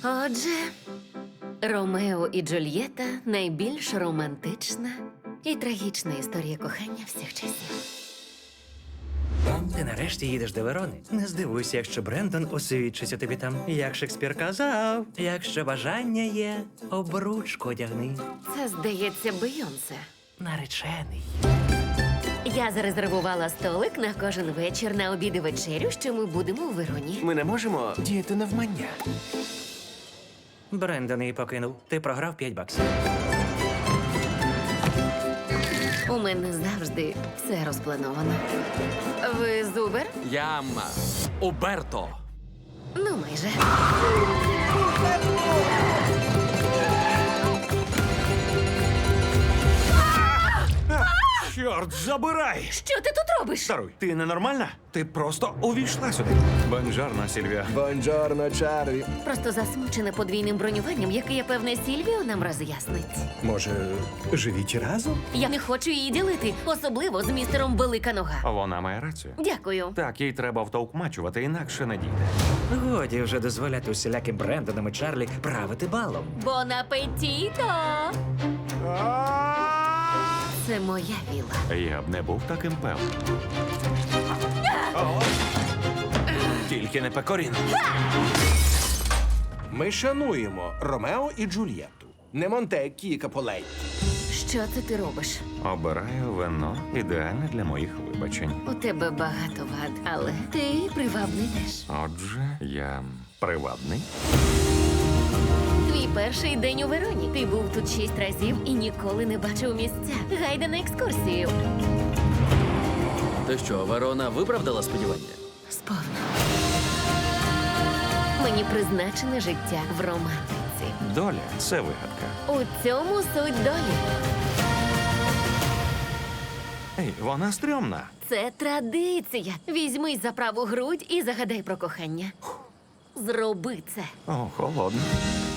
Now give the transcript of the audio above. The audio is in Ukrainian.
Отже, Ромео і Джульєта – найбільш романтична і трагічна історія кохання всіх часів. Ти нарешті їдеш до Верони. Не здивуйся, якщо Брендон освідчиться тобі там. Як Шекспір казав, якщо бажання є, обручку одягни. Це, здається, Бейонсе. Наречений. Я зарезервувала столик на кожен вечір на обід і вечерю, що ми будемо у Вероні. Ми не можемо діяти навмання. Брендон її покинув. Ти програв $5. У мене завжди все розплановано. Ви з Uber? Я Уберто. Ну, майже. Чорт, забирай! Що ти тут робиш? Даруй, ти ненормальна? Ти просто увійшла сюди. Бонжорно, Сільвія. Бонджорно, Чарлі. Просто засмучена подвійним бронюванням, яке, я певне, Сільвіо нам роз'яснить. Може, живіть разом? Я не хочу її ділити, особливо з містером Велика Нога. Вона має рацію. Дякую. Так, їй треба втовкмачувати, інакше не дійде. Годі вже дозволяти усіляким Брендонам і Чарлі правити балом. Бон апетіто! Це моя віла. Я б не був таким певним. Тільки не Пекорін. Ми шануємо Ромео і Джульєтту. Не Монтеккі і Каполей. Що це ти робиш? Обираю вино ідеальне для моїх вибачень. У тебе багато вад, але ти привабний теж. Отже, я привабний. Твій перший день у Вероні. Ти був тут 6 разів і ніколи не бачив місця. Гайда на екскурсію. То що, Верона виправдала сподівання? Сповна. Мені призначене життя в романтиці. Доля це вигадка. У цьому суть долі. Ей, вона стрьомна. Це традиція. Візьмись за праву грудь і загадай про кохання. Зроби це. О, холодно.